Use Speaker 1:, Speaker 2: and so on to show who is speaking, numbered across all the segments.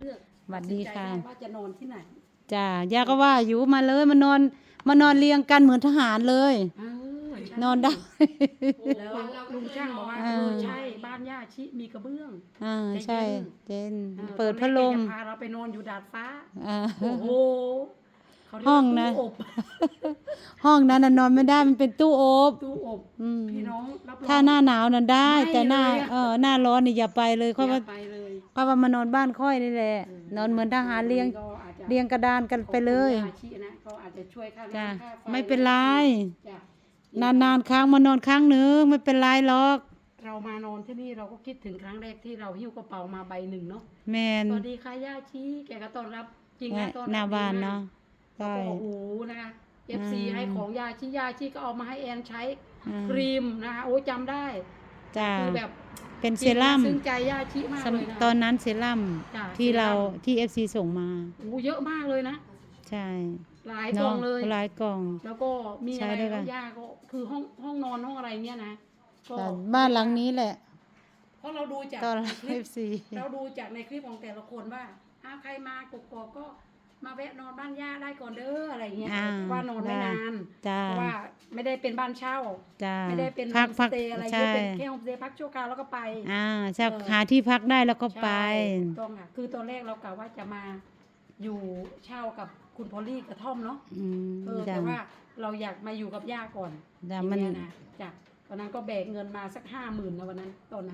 Speaker 1: เลือก
Speaker 2: สวัสดีค่ะ
Speaker 1: ว่าจะนอนที่ไหน
Speaker 2: จ้าย่าก็ว่าอยู่มาเลยมานอนเรียงกันเหมือนทหารเลยนอนได้
Speaker 1: แล้วลุงช่างบอกว่าใช่บ้านย่าชิมีกระเบื้อง
Speaker 2: ใช่เจนเปิดพั
Speaker 1: ด
Speaker 2: ดลม
Speaker 1: พาเราไปนอนอยู่ดาดฟ้าโอ้โห
Speaker 2: ห้องนะห้องนั้นนอนไม่ได้มันเป็นตู้อบ
Speaker 1: พี่น้องรับรอง
Speaker 2: ถ้าหน้าหนาวนั้นได้แต่หน้าร้อนนี่อย่าไปเลยเพราะว่ามานอนบ้านค่อยนี่แหละนอนเหมือนทหารเรียงกระดานกันไปเลย
Speaker 1: เขาอาจจะช่วยค่า
Speaker 2: จ้า
Speaker 1: น้ำค่าไฟ
Speaker 2: ไม่เป็นไรนานครั้งมานอนครั้งหนึ่งไม่เป็นไรหรอก
Speaker 1: เรามานอนที่นี่เราก็คิดถึงครั้งแรกที่เราหิ้วกระเป๋ามาใบหนึ่งเนาะ
Speaker 2: แมน
Speaker 1: สวัสดีค่ะย่าชีแกก็ต้อนรับจริงนะต้อนรับ
Speaker 2: หน้าบ้านเนาะ
Speaker 1: ใช่โอ้โหนะคะ FC ให้ของย่าชีก็เอามาให้แอนใช้ครีมนะคะโอ้จำได้
Speaker 2: จ้า
Speaker 1: คือแบบ
Speaker 2: เป็นเซรั่ม
Speaker 1: ซึ้งใจย่าชีมากเลยนะ
Speaker 2: ตอนนั้นเซรั่มที่ FC ส่งมา
Speaker 1: โอ้เยอะมากเลยนะ
Speaker 2: ใช่
Speaker 1: หลายกล่องเลย
Speaker 2: หลายกล่อง
Speaker 1: แล้วก็มีอะไรย่าก็คือห้องนอนห้องอะไรเงี้ยนะ
Speaker 2: ก็บ้านหลังนี้แหละ
Speaker 1: เพราะเราดูจาก
Speaker 2: คลิป
Speaker 1: เราดูจากในคลิปของแต่ละคนว่าใครมากกอกก็มาแวะนอนบ้านย่าได้ก่อนเด้ออะไรเงี้ยว่านอนไม่นานเพราะว่าไม่ได้เป็นบ้านเช่าไม่ได้เป็นโฮมสเตย์อะไรเป็นแค่โฮมสเตย์พักชั่วคราวแล้วก็ไป
Speaker 2: จะหาที่พักได้แล้วก็ไป
Speaker 1: ต้องค่ะคือตอนแรกเรากะว่าจะมาอยู่เช่ากับคุณพอลลี่กระท่อมเนาะแต่ว่าเราอยากมาอยู่กับย่าก่อน
Speaker 2: มัน
Speaker 1: นะจากตอนนั้นก็แบกเงินมาสัก50,000นะวันนั้นตอนนั้น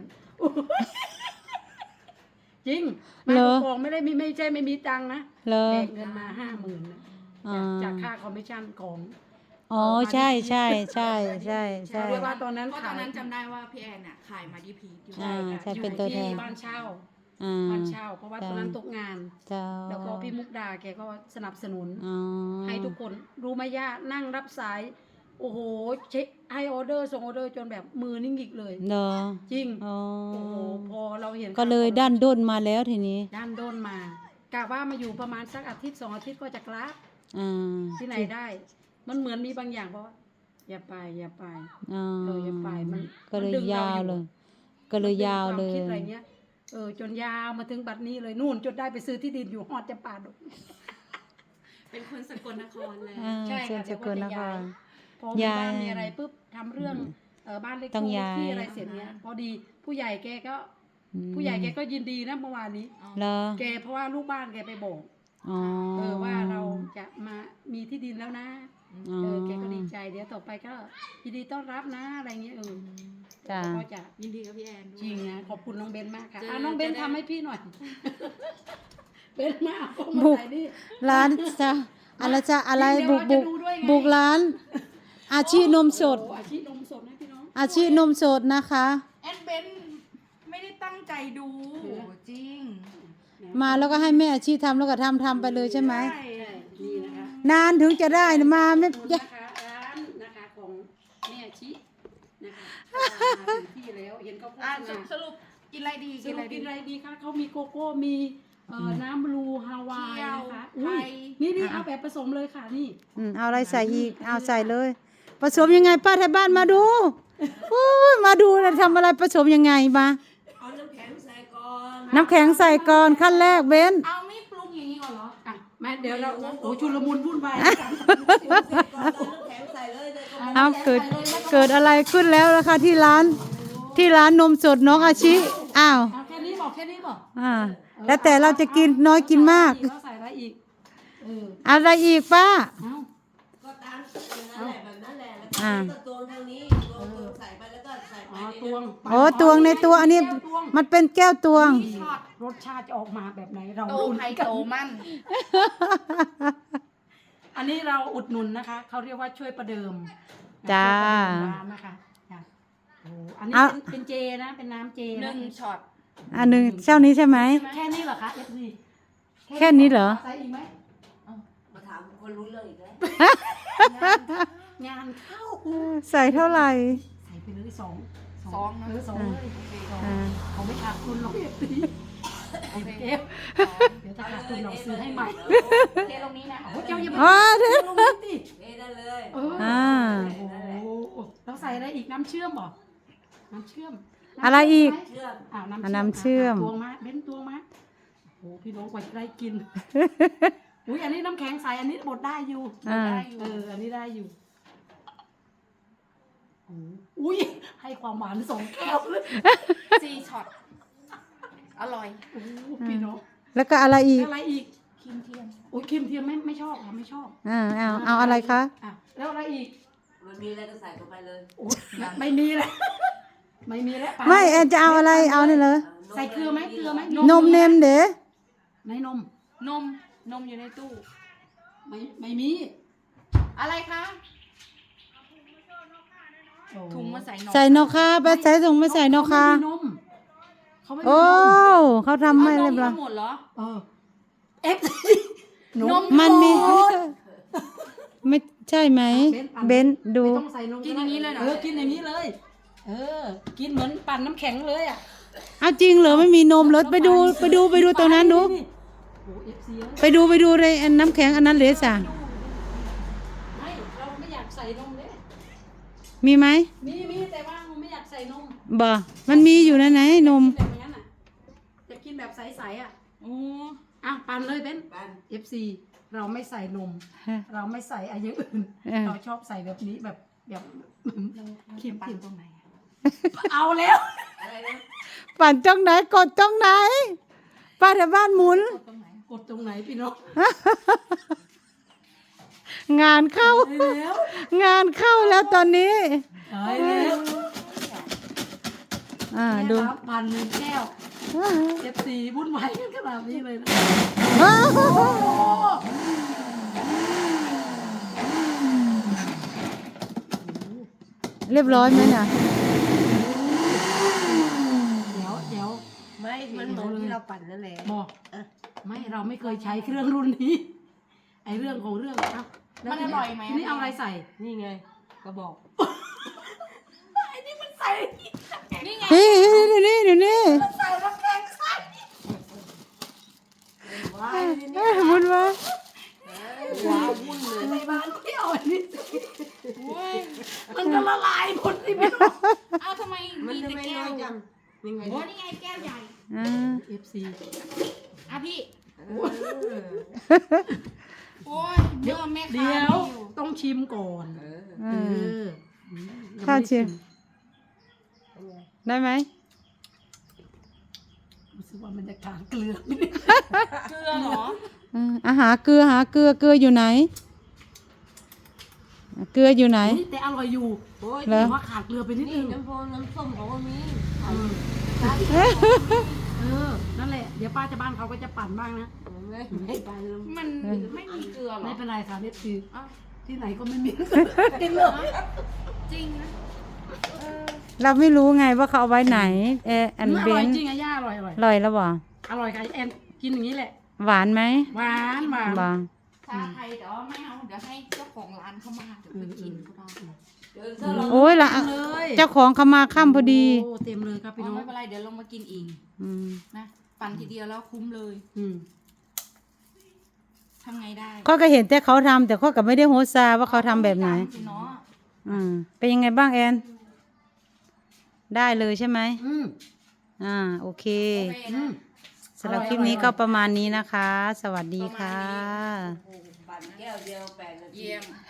Speaker 1: จริงมากองไม่ใช่ไม่มีตังค์นะแบกเงินมา50,000นะจากค่าคอมมิชชั่นของ
Speaker 2: ใช่
Speaker 1: เรียกว่าตอนนั้น
Speaker 3: จำได้ว่าพี่แอนน่ะขายมาดีพีอยู่
Speaker 2: ใช่เป็นตัวแทน
Speaker 1: บ้านเช่าเพราะว่าตอนนั้นตกงานแล้วก็พี่มุกดาแกก็สนับสนุนให้ทุกคนรู้ไหมย่านั่งรับสายโอ้โหเช็คให้ออเดอร์ส่งออเดอร์จนแบบมือนิ่งอีกเลยจริงโอ้โหพอเราเห็น
Speaker 2: ก็เลยด้านด้นมาแล้วทีนี้
Speaker 1: ด้านด้นมากะว่ามาอยู่ประมาณสักอาทิตย์2 อาทิตย์ก็จะกลับที่ไหนได้มันเหมือนมีบางอย่างเพราะว่าอย่าไปอย่าไปมัน
Speaker 2: ก็เลยยาวเลย
Speaker 1: คิดอะไรเงี้ยจนยาวมาถึงบัดนี้เลยนู่นจนได้ไปซื้อที่ดินอยู่ฮอดจะป่าด
Speaker 3: เป็นคนสกลนครเลย
Speaker 1: ใช่ค่ะ
Speaker 2: สกลนคร
Speaker 1: พอมีบ้านมีอะไรปุ๊บทำเรื่องบ้านเล็กที่อะไรเสร็จเนี้ยพอดีผู้ใหญ่แกก็ยินดีนะเมื่อวานนี้แกเพราะว่าลูกบ้านแกไปบอกว่าเราจะมามีที่ดินแล้วนะแกก็ดีใจเดี๋ยวต่อไปก็ยินดีต้อนรับนะอะไรเงี้ยก็จะ
Speaker 3: ยินดีกับพี่แอน
Speaker 1: จริงนะขอบคุณน้องเบนมากค่ะน้องเบนทำให้พี่หน่อยเบนมาก
Speaker 2: บุกร้านจ้ะอะไรบุกร้านอาชีพนมสด
Speaker 1: อาชีพนมสดนะพี่น้อง
Speaker 2: อาชีพนมสดนะคะ
Speaker 3: แอนเบนไม่ได้ตั้งใจดูจริง
Speaker 2: มาแล้วก็ให้แม่อาชีพทำแล้วก็ทำไปเลยใช่ไหม
Speaker 1: นี่นะคะ
Speaker 2: นานถึงจะได้มาไม่
Speaker 1: นะคะร้านนะคะของแม่อาชีนะคะมาถึงที่แล้วเห็นเขาพูด
Speaker 3: สรุปกินอะไรดี
Speaker 1: กินอะไรดีคะเขามีโกโก้มีน้ำบลูฮาวายนะคะนี่เอาแบบผสมเลยค่ะนี่
Speaker 2: เอาอะไรใส่อีกเอาใส่เลยผสมยังไงป้าไทยบ้านมาดูมาดูนะทำอะไรผสมยังไงมา
Speaker 3: เอาน้ำแข็งใส่ก่อน
Speaker 2: ขั้นแรกเบน
Speaker 3: เอาไม่ปรุงอย่างนี้ก่อนเหรอ
Speaker 1: มาเดี๋ยวเราชุลมุนวุ่นวาย
Speaker 2: เอาเกิดอะไรขึ้นแล้วล่ะคะที่ร้านนมสดน้องอาชิอ้าว
Speaker 1: แค่นี้บอก
Speaker 2: แล้วแต่เราจะกินน้อยกินมาก
Speaker 1: ใส่อะไรอีก
Speaker 2: อะไรอีกป้า
Speaker 3: ก็ตามนั่นแหละแบบนั้นแหละแล้วก็ตวงทางนี้ใส่ไปแล้วก็ใส่ไป
Speaker 2: ตวงในตัวอันนี้มันเป็นแก้วตวง
Speaker 1: รสชาติจะออกมาแบบไหนเรา
Speaker 3: โตไข่โตมัน
Speaker 1: อันนี้เราอุดหนุนนะคะเขาเรียกว่าช่วยประเดิม
Speaker 2: จ้า
Speaker 1: นะคะอันนี้เป็นเจนะเป็นน้ำเจ
Speaker 3: 1 ช็อต
Speaker 2: 1เจ้านี้ใช่ไหม
Speaker 1: แค่นี้เหรอคะFC
Speaker 2: แค่นี้เหรอ
Speaker 1: ใส่อีกไหม
Speaker 3: มาถามคนรู้เรื่องอีกแล้ว
Speaker 1: งานเข้า
Speaker 2: ใส่เท่าไหร่
Speaker 1: ใส่ไปเลย2หรือ2เลยเขาไม่ขาดทุนหรอกFCเดี๋ยวถ้าขาดทุนเราซื้อให้ใหม่
Speaker 3: เทลงนี้นะ
Speaker 1: เจ้าอย่าไปเทลงนี้ดิ
Speaker 3: ได้เลย
Speaker 1: เราใส่อะไรอีกน้ำเชื่อมบ่น้ำเชื่อม
Speaker 2: อะไรอีก
Speaker 1: น้ำเชื่อม
Speaker 2: ตวง
Speaker 1: มาเบ้นตวงมาโอ้อ้พี่น้องกว่าจะได้กิน อุ้ยอันนี้น้ำแข็งใสอันนี้บดได้อยู่
Speaker 2: อ่า
Speaker 1: อันนี้ได้อยู่อุ้ยให้ความหวาน2 แก้วเลย
Speaker 4: 4 ช็อต อร่อย
Speaker 1: โอ้พี่น้อง
Speaker 2: แล้วก็อะไรอีก
Speaker 1: อะไรอีก
Speaker 4: ครีมเทียม
Speaker 1: โอ้ยครีมเทียมไม่ชอบค่ะไม่ชอบ
Speaker 2: เอาอะไรคะ
Speaker 1: อ่ะแล้วอะไรอีก
Speaker 3: มันมีอะไรก็ใส่เข้าไปเลย
Speaker 1: โอ้ยไม่มีแล้วไม่มีแล้ว
Speaker 2: ไม่แอนจะเอาอะไรเอานี่เลย
Speaker 1: ใส่เกลือไหมเกลือไหม
Speaker 2: นมเนมเด้
Speaker 1: ในนม
Speaker 4: นมอยู่ในตู้
Speaker 1: ไม่มี
Speaker 4: อะไรคะ
Speaker 1: โอ้
Speaker 4: ถุงมาใส่นม
Speaker 2: ใส่นกคาไปใส่ถุงไม่ใส่นกคา
Speaker 1: เขาไม่มีนมเขาไม่มี
Speaker 2: โอ้
Speaker 1: นม
Speaker 2: เขาทำให้
Speaker 4: เอา
Speaker 2: เรี
Speaker 4: น
Speaker 2: ย
Speaker 4: ม
Speaker 2: บร้อย
Speaker 4: ทั้งหมดเหรอ
Speaker 1: เอฟ
Speaker 4: นม
Speaker 2: มันมี
Speaker 4: หด
Speaker 2: ไม่ใช่ไหมเบนดู
Speaker 1: ไม่ต้องใส่นม
Speaker 4: กินอย่างนี้เลยเหรอ
Speaker 1: กินอย่างนี้เลย กินเหมือนปั่นน้ำแข็งเลยอ่ะ
Speaker 2: เอาจริงเหรอไม่มีนมเหรอไปดูตรงนั้นดู
Speaker 1: โอ้เอฟซี
Speaker 2: ไปดูในอันน้ำแข็งอันนั้นเลยจ้ะ
Speaker 1: ไม่เราไม่อยากใส่นมเลย
Speaker 2: มีไหม
Speaker 1: มีแต่ว่าเราไม่อยากใส่นม
Speaker 2: บ่มันมีอยู่นะไหนนม
Speaker 1: แบบนั้นอ่ะจะกินแบบใสๆอ่ะ
Speaker 4: โอ้
Speaker 1: อ่ะปั่นเลยเบน
Speaker 3: บ้าน
Speaker 1: FC เราไม่ใส่นม เราไม่ใส่อะไรอย่างอื่น
Speaker 2: เออ
Speaker 1: เราชอบใส่แบบนี้แบบครีม
Speaker 4: ปั่น
Speaker 1: ครีม
Speaker 4: ตรงไหนอะ
Speaker 1: เอาแล้ว
Speaker 3: อะไรนะ
Speaker 2: ปั่นจ้องไหนกดจ้องไหนป้าแถวบ้านหมุน
Speaker 4: ตรงไหน
Speaker 1: กดตรงไหนพี่น้อง
Speaker 2: งานเข้า
Speaker 1: ได้แล้ว
Speaker 2: งานเข้าแล้วตอนนี้
Speaker 1: ได้แล้ว
Speaker 2: ดู
Speaker 1: เนี่ยครับปั่น1 แก้ว FC วุ่นวายกันขนาดนี้เลยนะ
Speaker 2: อ้าว
Speaker 1: โอ้
Speaker 2: เรียบร้อยไหมน่ะ
Speaker 1: เดี๋ยว
Speaker 3: ไม่มันเหมือนที่เราปั่นนั่นแหละ
Speaker 1: บอกไม่เราไม่เคยใช้เครื่องรุ่นนี้ ไอเรื่องของเรื่องอ่ะ
Speaker 4: มันอร่อยไหม
Speaker 1: ทีนี้เอาอะไรใส่
Speaker 3: นี่ไงก็บอก
Speaker 1: ไอ้นี่มันใส่
Speaker 4: นี่ไง
Speaker 2: เดี๋ยวนี้
Speaker 1: ใส่น้ำแข็งใส่
Speaker 3: ว้าย
Speaker 2: หมุนมา
Speaker 3: ว้าววุ่นเลย
Speaker 1: ในบ้านไม่เอาอันนี้สิ
Speaker 4: โอ้ย
Speaker 1: มันจะละลายหมดสิพี่น้อง
Speaker 4: เอาทำไม
Speaker 3: มัน
Speaker 4: มี
Speaker 3: จะ
Speaker 4: แต่
Speaker 3: ไม่
Speaker 4: แก้
Speaker 3: น้อ
Speaker 4: วย
Speaker 3: จังนี่ไง
Speaker 4: โอ้นี่ไงแก้วใหญ่
Speaker 1: FC
Speaker 4: อ่ะพี่
Speaker 3: เออ
Speaker 4: โอ้ยเมื่อแม่ค้า
Speaker 1: เดี๋ยว
Speaker 4: ไม่อยู่
Speaker 1: ต้องชิมก่อน
Speaker 3: เออ
Speaker 1: เออ
Speaker 2: ข้าวเชียงได้ไหม
Speaker 1: รู้สึกว่ามันจะขาดเกลือไม่ได้
Speaker 4: เกลือเหรอ
Speaker 2: หาเกลืออยู่ไหน เกลืออยู่ไหน
Speaker 1: นี่แต่อร่อยอยู่
Speaker 3: โอ้ย
Speaker 2: เหรอ
Speaker 1: แต่ว่าขาดเกลือไปนิด
Speaker 3: นี่
Speaker 1: นึง
Speaker 3: น้ำโพน้ำส้มเขาก็มี
Speaker 1: นั่นแหละเดี๋ยวป้าจะบ้านเขาก็จะปั่นบ้างนะ
Speaker 3: ไม่ไปแล้ว
Speaker 4: มันไม่มีเกลือเหร
Speaker 1: ไม่
Speaker 4: อ
Speaker 1: เป็นไรค่ะนี่คือ
Speaker 4: อ้าว
Speaker 1: ที่ไหนก็ไม่มีกินเลย
Speaker 4: จริงนะ
Speaker 2: เราไม่รู้ไงว่าเขาเอาไว้ไหนอัน
Speaker 1: อ
Speaker 2: เบ
Speaker 1: ร่อย
Speaker 2: น
Speaker 1: จริงอะย่าอร่อย
Speaker 2: อร่อยแล้วบ่
Speaker 1: อร่อยค่ะแอนกินอย่างนี้แหละ
Speaker 2: หวานไหม
Speaker 1: หวานหวาน
Speaker 2: บ่
Speaker 4: ถ้าใครเดี๋ยวไม่เอาเดี๋ยวให้เจ้าของร้านเข้ามาเดี๋ยวไปกินก็ได้
Speaker 3: เดี๋ยวถ้าเรา
Speaker 2: โอ้ยละ
Speaker 1: เลย
Speaker 2: เจ้าของเขามาค่ำพอดี
Speaker 1: โอ้เต็มเลยครับพี่
Speaker 4: อ๋อ
Speaker 1: น้อง
Speaker 4: ไม่เป็นไรเดี๋ยวลงมากินอีก
Speaker 2: อืม
Speaker 4: นะปั่นทีเดียวแล้วคุ้มเลย
Speaker 1: อืม
Speaker 4: ทำไงได้
Speaker 2: ก็เห็นแต่เขาทำแต่เขาก็ไม่ได้โฮสซาว่าเขาทำแบบไหน
Speaker 4: ม่ตามสิเนาะ
Speaker 2: เป็นยังไงบ้างแอน ได้เลยใช่ไหม โอเค
Speaker 4: โอเคนะ
Speaker 2: สำหรับคลิปนี้ก็ประมาณนี้นะคะ สวัสดีค่ะ
Speaker 3: ปั่นแก้วเดียว8 นาที
Speaker 4: เยี่ยม